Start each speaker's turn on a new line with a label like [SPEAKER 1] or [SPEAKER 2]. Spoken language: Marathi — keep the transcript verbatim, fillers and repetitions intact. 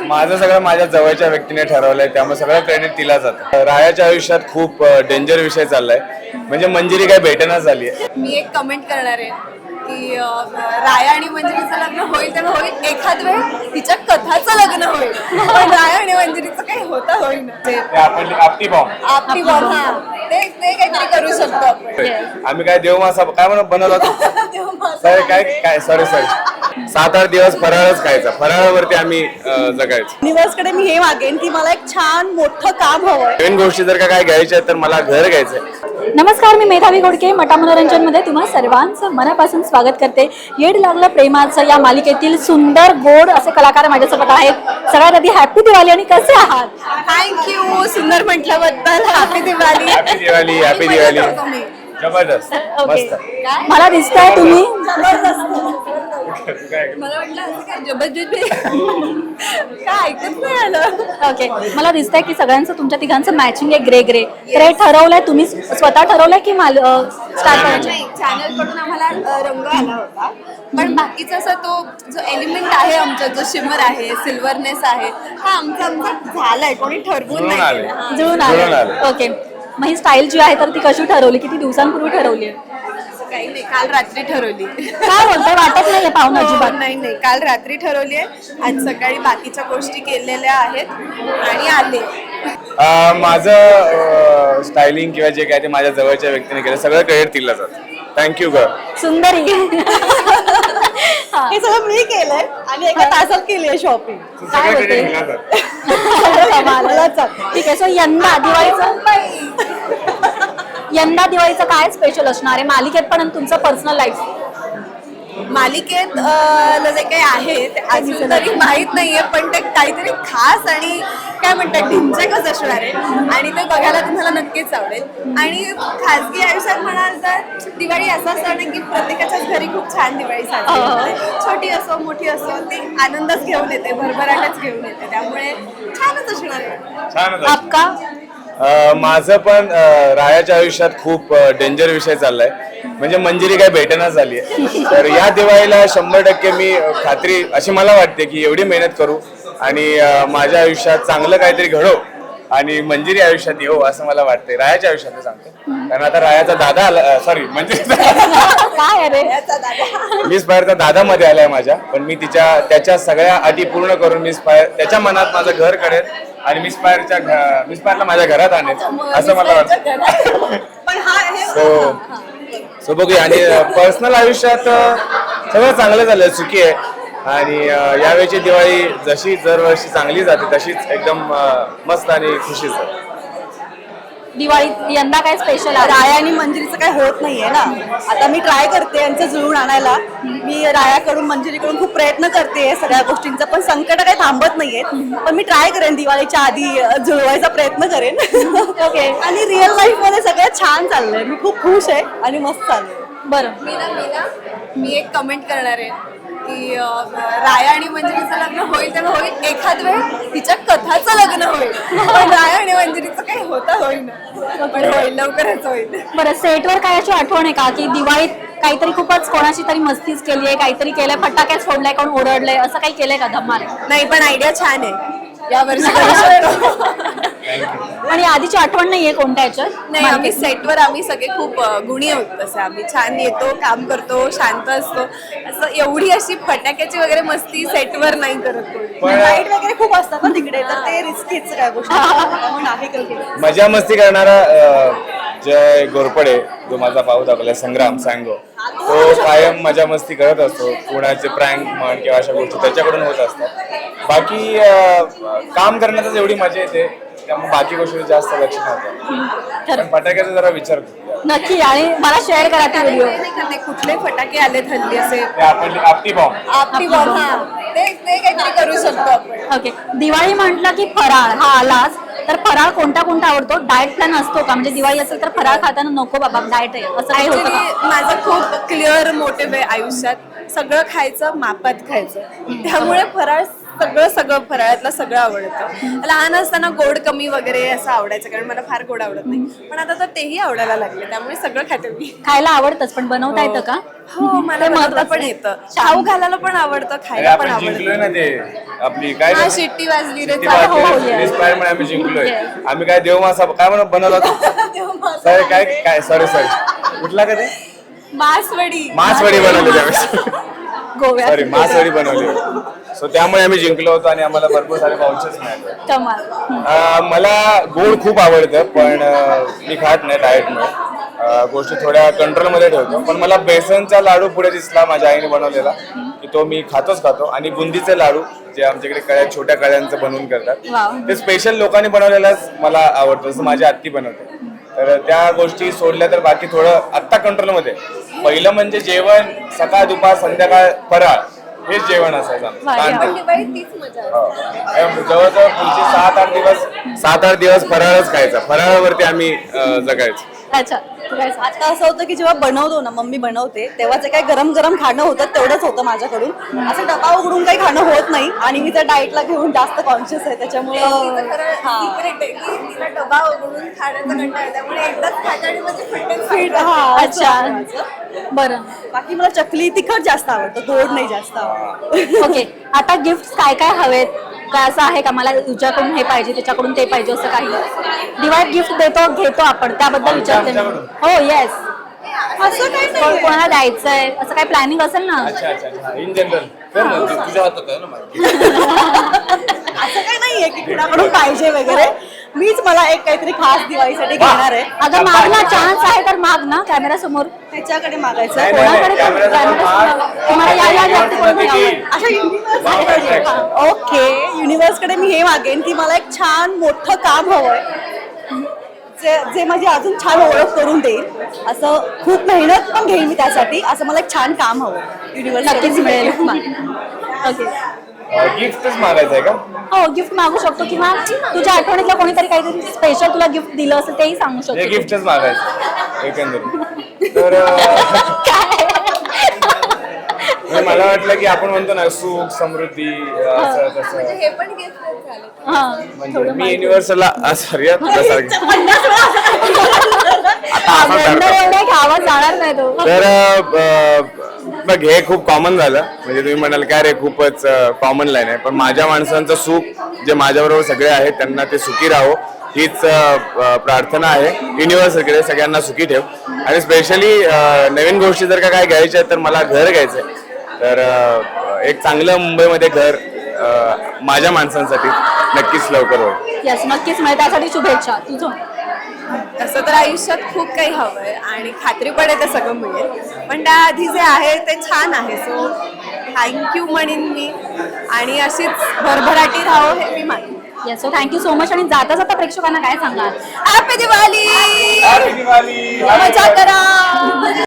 [SPEAKER 1] माझं सगळं माझ्या जवळच्या व्यक्तीने ठरवलंय, त्यामुळे सगळं क्रेडिट तिला जातं. रायाच्या आयुष्यात खूप डेंजर विषय चाललाय, म्हणजे मंजिरी काय भेटेना झाली आहे.
[SPEAKER 2] मी एक कमेंट करणार आहे की अं, राया आणि मंजिरीचं लग्न होईल तेव्हा होईल, एखाद वेळ तिच्या कथाचं लग्न होईल, पण राया आणि मंजिरीचं काही होता होईल
[SPEAKER 1] ते आपण आपटी बॉम्ब
[SPEAKER 2] आपली बॉम्ब हा ते ते काहीतरी करू शकतो आपण.
[SPEAKER 1] आम्ही काय देवमासा काय म्हणून बनवला होता सॉरी काय काय सॉरी सॉरी सात आठ दिवस फराळच खायचा, फराळावरती आम्ही अं, जगायचो.
[SPEAKER 3] युनिव्हर्सकडे मी हे मागेन की मला एक छान मोठं काम हवंय.
[SPEAKER 1] नवीन गोष्टी जर का काय घ्यायच्या आहेत तर मला घर घ्यायचंय.
[SPEAKER 4] नमस्कार, मी मेधावी घोडके मटा मनोरंजनमध्ये तुम्हा सर्वांचं मनापासून स्वागत करते. येड लागलं प्रेमाचं या मालिकेतील सुंदर गोड असे कलाकार माझ्यासोबत आहेत. सगळ्यात आधी हॅपी दिवाळी आणि कसे आहात?
[SPEAKER 2] थँक्यू, सुंदर म्हटल्याबद्दल. Happy Diwali.
[SPEAKER 1] Happy Diwali. Happy Diwali. जबरदस्त मस्त.
[SPEAKER 4] मला दिसतंय तुम्ही
[SPEAKER 2] मला वाटलं असं काय जबरदस्त काय ऐकत नाही आलं.
[SPEAKER 4] ओके, मला दिसतंय की सगळ्यांचं तुमच्या तिघांचं मॅचिंग आहे ग्रे ग्रे. तर हे ठरवलंय तुम्ही स्वतः ठरवलंय की माल स्टार्ट करायचं?
[SPEAKER 2] नाही, चॅनल कडून आम्हाला अ, रंग आला होता, पण बाकीचा असा तो जो एलिमेंट आहे आमचा, जो शिमर आहे, सिल्वरनेस आहे, हा आमचा आमचा झालाय, कोणी ठरवून
[SPEAKER 1] जुळून
[SPEAKER 2] नाही
[SPEAKER 1] आले.
[SPEAKER 2] केलं. हा.
[SPEAKER 4] जुळून
[SPEAKER 1] जुळून
[SPEAKER 4] आलं.
[SPEAKER 1] आलं.
[SPEAKER 4] ओके, मग ही स्टाईल जी आहे तर ती कशी ठरवली, किती दिवसांपूर्वी ठरवली?
[SPEAKER 2] असं काही नाही, काल रात्री ठरवली.
[SPEAKER 4] काय बोलतोय, वाटत नाहीये पाहुणा
[SPEAKER 2] हो,
[SPEAKER 4] अजिबात.
[SPEAKER 2] नाही नाही, काल रात्री ठरवली आहे. आज सकाळी बाकीच्या गोष्टी केलेल्या आहेत आणि आले.
[SPEAKER 1] अं, माझं स्टायलिंग किंवा जे काय ते माझ्या जवळच्या व्यक्तीने केलं, सगळं क्रेडिट तिला जातं. थँक्यू ग.
[SPEAKER 4] सुंदरी.
[SPEAKER 3] हे सगळं मी केलंय आणि एका तासात केली आहे शॉपिंग.
[SPEAKER 4] काय
[SPEAKER 1] सगळं
[SPEAKER 4] होते?
[SPEAKER 1] क्रेडिट तिला जातं.
[SPEAKER 4] मला ठीक आहे. सो यंदा दिवाळीचं यंदा दिवाळीचं काय स्पेशल असणार आहे मालिकेत पण आणि तुमचं पर्सनल लाईफ?
[SPEAKER 2] मालिकेत अ, ला जे काही आहे ते अजून तरी माहित नाहीये, पण ते काहीतरी खास आणि काय म्हणतात ढिंचकच असणार आहे आणि ते बघायला तुम्हाला नक्कीच आवडेल. आणि खासगी आयुष्यात म्हणाल तर दिवाळी असा सण आहे की प्रत्येकाच्याच घरी खूप छान दिवाळी साजरी होते. छोटी असो मोठी असो, ती आनंदच घेऊन येते, भरभराटच घेऊन येते, त्यामुळे छानच असणार आहे.
[SPEAKER 1] छानच आहे.
[SPEAKER 4] आपका?
[SPEAKER 1] अं, माझं पण अं, रायाच्या आयुष्यात खूप डेंजर विषय चाललाय, म्हणजे मंजिरी काय भेटेना झाली आहे. तर या दिवाळीला शंभर टक्के मी अं, खात्री अशी मला वाटते की एवढी मेहनत करू आणि अं, माझ्या आयुष्यात चांगलं काहीतरी घडो आणि मंजिरी आयुष्यात येऊ असं मला वाटतंय. रायाच्या आयुष्यात सांगतो, कारण आता रायाचा दादा आला, सॉरी म्हणजे
[SPEAKER 4] काय अरे,
[SPEAKER 1] मिस फायरचा दादा मध्ये आलाय माझ्या, पण मी तिच्या त्याच्या सगळ्या अटी पूर्ण करून मिस फायर त्याच्या मनात माझं घर करेल आणि मिस फायरच्या मिस फायरला माझ्या घरात आणेल असं मला वाटतं.
[SPEAKER 2] पण हा हे
[SPEAKER 1] सो सो बघूया. आणि पर्सनल आयुष्यात अं, सगळं चांगलं झालं, सुखी आहे. आणि अं, यावेळची दिवाळी जशी दरवर्षी चांगली जाते तशीच एकदम अं, मस्त आणि खुशीच आहे.
[SPEAKER 4] दिवाळीत यंदा काय स्पेशल आहे?
[SPEAKER 3] राया आणि मंजिरीचं काय होत नाहीये ना. आता मी ट्राय करते यांचं जुळून आणायला. मी रायाकडून मंजिरीकडून खूप प्रयत्न करते सगळ्या गोष्टींचा, पण संकट काही थांबत नाहीयेत. पण मी ट्राय करेन दिवाळीच्या आधी अ, जुळवायचा प्रयत्न करेन.
[SPEAKER 4] ओके.
[SPEAKER 3] आणि रिअल लाईफ मध्ये सगळं छान चाललंय. मी खूप खुश आहे आणि मस्त चाललंय.
[SPEAKER 4] बरं,
[SPEAKER 2] मी ना मी ना मी एक कमेंट करणार आहे की अं, राया आणि मंजिरीचं लग्न होईल तेव्हा होईल, एखाद वेळ तिच्या कथाचं लग्न होईल, पण राया आणि मंजिरीचं काही होता होईल, पण होईल, लवकरच होईल.
[SPEAKER 4] बरं. सेटवर काय अशी आठवण आहे का की दिवाळीत काहीतरी खूपच कोणाशी तरी मस्तीच केली आहे, काहीतरी केलंय, फटाकेच फोडलाय, कोण ओरडलंय, असं काही केलंय का धमाल?
[SPEAKER 2] नाही, पण आयडिया छान आहे, या वर्षी करू शकतो.
[SPEAKER 4] आणि आधीची आठवण नाहीये कोणत्या ह्याच्यात?
[SPEAKER 2] नाही, आम्ही सेटवर आम्ही सगळे खूप अ, गुणी आहोत. तसं आम्ही छान येतो, काम करतो, शांत असतो. असं एवढी अशी फटाक्याची वगैरे मस्ती सेटवर नाही करत कोणी.
[SPEAKER 1] पण
[SPEAKER 3] लाईट वगैरे खूप असतात ना तिकडे, तर ते रिस्कीच काय गोष्टी म्हणून आहे केलं.
[SPEAKER 1] मजा मस्ती करणारा अं, जय गोरपडे, जो माझा भाऊ दाखवला संग्राम सांगो, तो कायम मजा मस्ती करत असतो. कुणाचे प्रँक म्हण किंवा अशा गोष्टी त्याच्याकडून होत असतात. बाकी अं, काम करण्यातच एवढी मजा येते, त्यामुळे बाकी गोष्टी जास्त लक्ष नव्हतं. पण फटाक्याचा जरा विचार करू.
[SPEAKER 4] नक्की, आणि मला शेअर करा ते व्हिडिओ.
[SPEAKER 2] नाही का, ते कुठले फटाके आले हल्ली असे
[SPEAKER 1] ते आपण आपटी बॉम्ब
[SPEAKER 2] आपली बॉम्ब, हा ते ते काहीतरी करू शकतो आपण.
[SPEAKER 4] ओके. दिवाळी म्हटलं की फराळ हा आलाच, तर फराळ कोणता कोणता आवडतो? डाएट प्लॅन असतो का? म्हणजे दिवाळी असेल तर फराळ खाताना नको बाबा डाएट आहे असं काही होतं
[SPEAKER 2] ऍक्च्युली
[SPEAKER 4] का?
[SPEAKER 2] माझं खूप क्लिअर मोटिव्ह आहे आयुष्यात, सगळं खायचं, मापात खायचं. त्यामुळे फराळ सगळं सगळं फराळातलं सगळं आवडतं. लहान असताना गोड कमी वगैरे असं आवडायचं कारण मला फार गोड आवडत नाही, पण आता तर तेही आवडायला लागले त्यामुळे सगळं खाते मी.
[SPEAKER 4] खायला आवडतच पण बनवता येतं का?
[SPEAKER 2] हो मला बनवता पण येतं, खाऊ घालायला पण आवडतं,
[SPEAKER 1] अरे
[SPEAKER 2] खायला पण
[SPEAKER 1] आपण जिंकलोय
[SPEAKER 2] आवडतं.
[SPEAKER 1] ना ते आपली काय
[SPEAKER 2] हा
[SPEAKER 1] ते-
[SPEAKER 2] शिट्टी वाजली रे
[SPEAKER 1] शिट्टी
[SPEAKER 2] चला.
[SPEAKER 4] हो,
[SPEAKER 1] वाजली,
[SPEAKER 4] yes.
[SPEAKER 1] inspire म्हणून आम्ही जिंकलोय. आम्ही काय देव मासा काय म्हणून बनवला सॉरी काय काय सॉरी सॉरी कुठला का ते
[SPEAKER 2] मासवडी.
[SPEAKER 1] मासवडी बनवली त्यावेळेस
[SPEAKER 4] गोव्यात
[SPEAKER 1] सॉरी मासवडी बनवली सो त्यामुळे आम्ही जिंकलो होतो आणि आम्हाला भरपूर सारे वाउचर्स मिळाले.
[SPEAKER 4] कमाल.
[SPEAKER 1] अं, मला गोड खूप आवडतं पण अं, मी खात नाही डाएटमुळे अं, गोष्टी थोड्या कंट्रोलमध्ये ठेवतो. पण मला बेसनचा लाडू पुढे दिसला माझ्या आईने बनवलेला की तो मी खातोच खातो. आणि बुंदीचे लाडू जे आमच्याकडे कळ्या छोट्या कळ्यांचं बनवून करतात
[SPEAKER 4] वाव.
[SPEAKER 1] ते स्पेशल लोकांनी बनवलेलाच मला आवडतं, जसं माझी आत्ती बनवते. तर त्या गोष्टी सोडल्या तर बाकी थोडं आत्ता कंट्रोलमध्ये. पहिलं म्हणजे जेवण सकाळ दुपार संध्याकाळ फराळ हेच जेवण असायचं आमचं.
[SPEAKER 4] भारी.
[SPEAKER 1] ताण-
[SPEAKER 2] दिवाळीत तीच मजा आहे.
[SPEAKER 1] हो. जवळजवळ पुढचे सात आठ दिवस सात आठ दिवस फराळच खायचा. फराळावरती आम्ही अं, जगायचो.
[SPEAKER 4] अच्छा तू काय सांग?
[SPEAKER 3] आता असं होतं की जेव्हा बनवतो ना मम्मी बनवते तेव्हा जे काही गरम गरम खाणं होतं तेवढंच होतं माझ्याकडून. असं डबा उघडून काही खाणं होत नाही आणि मी त्या डाएटला घेऊन जास्त कॉन्शियस आहे त्याच्यामुळे
[SPEAKER 2] तिचं खरं
[SPEAKER 3] हा.
[SPEAKER 2] secret आहे की तिला डबा उघडून खाण्याचा कंटाळा आहे. त्यामुळे एकदाच खाते आणि म्हणजे फिटनेस
[SPEAKER 3] Fit, हा,
[SPEAKER 4] अच्छा
[SPEAKER 3] असं माझं.
[SPEAKER 4] बरं.
[SPEAKER 3] बाकी मला चकली तिखट जास्त आवडतं, गोड नाही जास्त आवडतं.
[SPEAKER 4] ओके आता गिफ्ट काय काय हवेत? काय असं आहे का मला तुझ्याकडून हे पाहिजे त्याच्याकडून ते पाहिजे असं काही? दिवाळीत गिफ्ट देतो घेतो आपण त्याबद्दल विचारते मी. हो येस.
[SPEAKER 3] असं काही नाही.
[SPEAKER 4] कोणाला द्यायचंय असं काही प्लॅनिंग असेल ना?
[SPEAKER 1] अच्छा अच्छा इन जनरल तुझ्या हातात आहे ना माझी.
[SPEAKER 3] असं काही नाहीये की कुणाकडून पाहिजे वगैरे. मीच मला एक काहीतरी खास दिवाळीसाठी घेणार आहे.
[SPEAKER 4] अगं माग ना चान्स आहे तर माग ना कॅमेरा समोर.
[SPEAKER 3] त्याच्याकडे मागायचं.
[SPEAKER 1] नाही, नाही,
[SPEAKER 4] कोणाकडे
[SPEAKER 1] नाही,
[SPEAKER 4] पण
[SPEAKER 1] कॅमेरा समोर
[SPEAKER 4] कॅमेरा
[SPEAKER 1] माग.
[SPEAKER 4] समोर. तुम्हाला या या व्यक्तीकडून घ्यावं.
[SPEAKER 3] अशा युनिव्हर्स ओके युनिव्हर्सकडे मी हे मागेन की मला एक छान मोठं काम हवंय जे जे माझी अजून छान ओळख करून देईल. असं खूप मेहनत पण घेईन मी त्यासाठी. असं मला एक छान काम हवं युनिव्हर्स
[SPEAKER 4] नक्कीच मिळेल. ओके
[SPEAKER 1] गिफ्टच मागायचं आहे का?
[SPEAKER 4] हो गिफ्ट मागू शकतो किंवा तुझ्या आठवणीतलं कोणीतरी काहीतरी स्पेशल तुला गिफ्ट दिलं असेल तेही सांगू
[SPEAKER 1] हे
[SPEAKER 4] शकतो.
[SPEAKER 1] गिफ्टच मागायचं एकंदरीत. तर अं, म्हणजे मला वाटलं की आपण म्हणतो ना सुख समृद्धी असं तसं.
[SPEAKER 2] हे पण गिफ्ट झाले.
[SPEAKER 4] हा
[SPEAKER 1] म्हणजे मी युनिव्हर्सला सॉरी तुझ्यासारखं
[SPEAKER 4] एवढ्या घ्यावा जाणार नाही तो.
[SPEAKER 1] तर अं, बघ हे खूप कॉमन झालं. म्हणजे तुम्ही म्हणाल काय रे खूपच कॉमन लाईन आहे. पण माझ्या माणसांचं सुख जे माझ्याबरोबर सगळे आहेत त्यांना ते सुखी राहो हीच अं, प्रार्थना आहे युनिव्हर्सकडे. सगळ्यांना सुखी ठेव. आणि स्पेशली नवीन गोष्टी जर का काय घ्यायच्या आहेत तर मला घर घ्यायचंय. तर अं, एक चांगलं मुंबईमध्ये घर अं, माझ्या माणसांसाठी नक्कीच लवकर होईल.
[SPEAKER 4] यस नक्कीच मिळेल त्यासाठी शुभेच्छा. तुझं
[SPEAKER 2] तसं तर आयुष्यात खूप काही हवंय आणि खात्री पण आहे ते सगळं मिळेल, पण त्याआधी जे आहे ते छान आहे. सो थँक्यू म्हणेन मी आणि अशीच भरभराटी राहो हे मी मानेन.
[SPEAKER 4] Yes so thank you so much. आणि जाता जाता प्रेक्षकांना काय सांगाल?
[SPEAKER 2] हॅपी दिवाळी.
[SPEAKER 1] Happy Diwali!
[SPEAKER 2] मजा